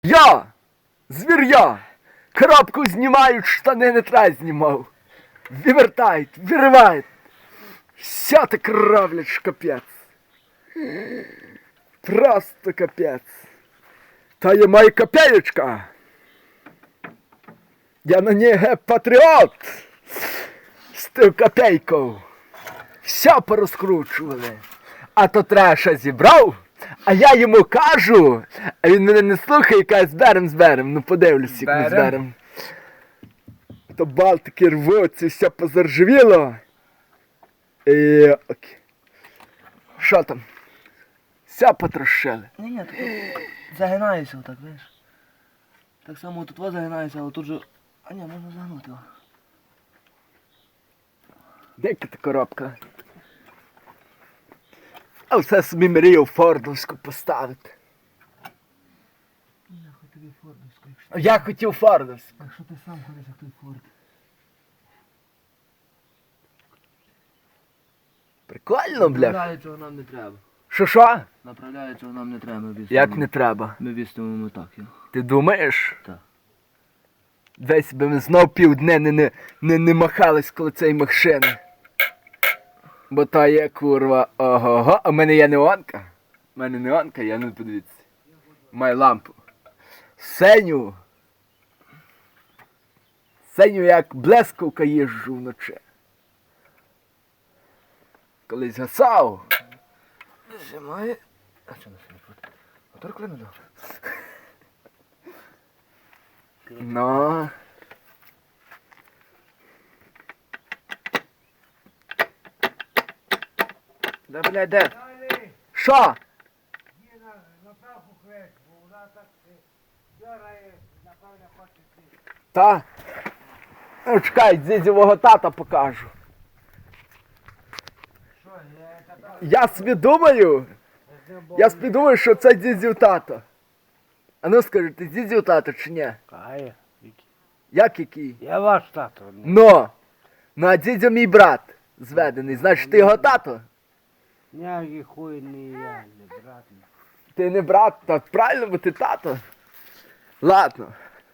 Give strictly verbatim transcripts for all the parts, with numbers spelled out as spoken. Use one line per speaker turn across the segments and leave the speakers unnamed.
Я! Звір'я! Коробку знімають, штани не треба знімав. Вивертають, виривають. Вся так кровлять, що капець. Просто капець. Та є моя копеечка. Я на ній патріот. З тою копейкою. Все порозкручували. А то треша зібрав, а я йому кажу, а він мене не слухає і каже, зберем, зберем. Ну подивлюсь, як ми зберем. То балтики рвуться, все позаржавіло. І... окей. Що там? Все потрошили.
Ні, ні, тут загинаєшся отак, знаєш. Так само тут вас загинаєшся, але тут же... А ні, можна загнути його.
Дека та коробка. А все собі мрію фордовську поставити.
Я хотів тобі фордовську, якщо...
А я хотів фордовську.
Якщо ти сам ходиш, як той форд.
Прикольно, бля.
Направляючого нам не треба.
Що що?
Направляючого нам не треба, ми вістимо.
Як не треба?
Ми вістимо так його.
Ти думаєш?
Так.
Десь би ми знов півдня не, не, не, не махались коло цієї машини. Бо та є, курва, ого-го. А в мене є неонка. У мене неонка, я не подивіться. Маю лампу. Сеню. Сеню як блискавка їжджу вночі. Колись гасав.
Зимає. А що на сьогодні буде? Мотор клину добре.
Ну.
Да, блядь, де?
Що? Та? Ну, чекай, дідзівого тата покажу. Я собі думаю, я собі думаю, що це дідзів тато. А ну скажи, ти дідзів тато чи ні?
Кає.
Як який?
Я ваш тато.
Но! Ну а дідзя мій брат зведений, значить ти його тато?
Ніякий хуй не я, не брат.
Ти не брат, та правильно, бо ти тато. Ладно.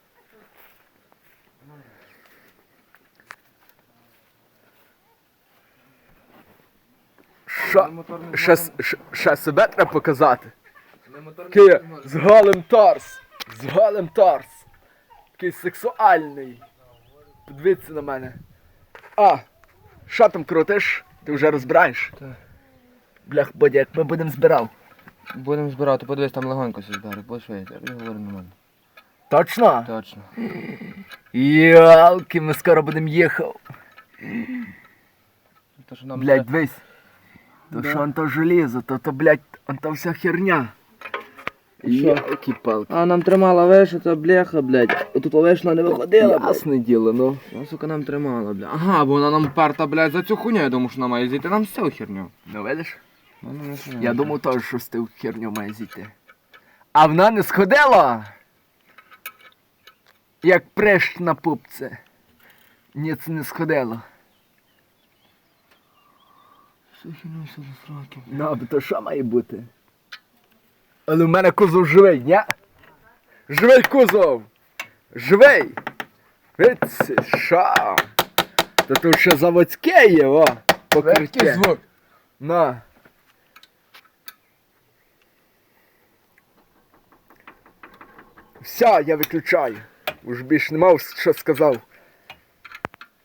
Що? Ще, с- ще, ще себе треба показати. Такий з голим торс. З голим торс. Такий сексуальний. Подивіться на мене. А, що там крутиш? Ти вже розбираєш?
Так.
Блях, Бодя, як ми будемо збирав.
Будемо збирати, подивись, там легонько все збирати, бо що я тобі говорю нормально.
Точно?
Точно.
Ялки, ми скоро будемо їхав.
То, що нам
Блять, дивись. То
Да.
що он то желізо, то то, блять, он то вся херня.
Що?
Які палки.
А, нам тримала веша, та бляха, блядь. Отут вешна не виходила, блядь.
Ясне діло, ну.
Вона, сука, нам тримала, блядь. Ага, бо вона нам парта, блядь, за цю хуйню, я думаю, що вона має зійти нам всю херню.
Ну видиш?
Ну, ну, не знаю.
Я думав теж, що з тим херню має зійти. А вона не сходила. Як прищ на пупце. Ні, це не сходило.
Всю херню все за сраки.
Ну, а то що має бути? Але в мене кузов живий, ні? Живий кузов! Живий! Виці, що? То тут ще заводське є, о! Покриття.
звук.
На. Все, я виключаю. Уж більш не мав, що сказав.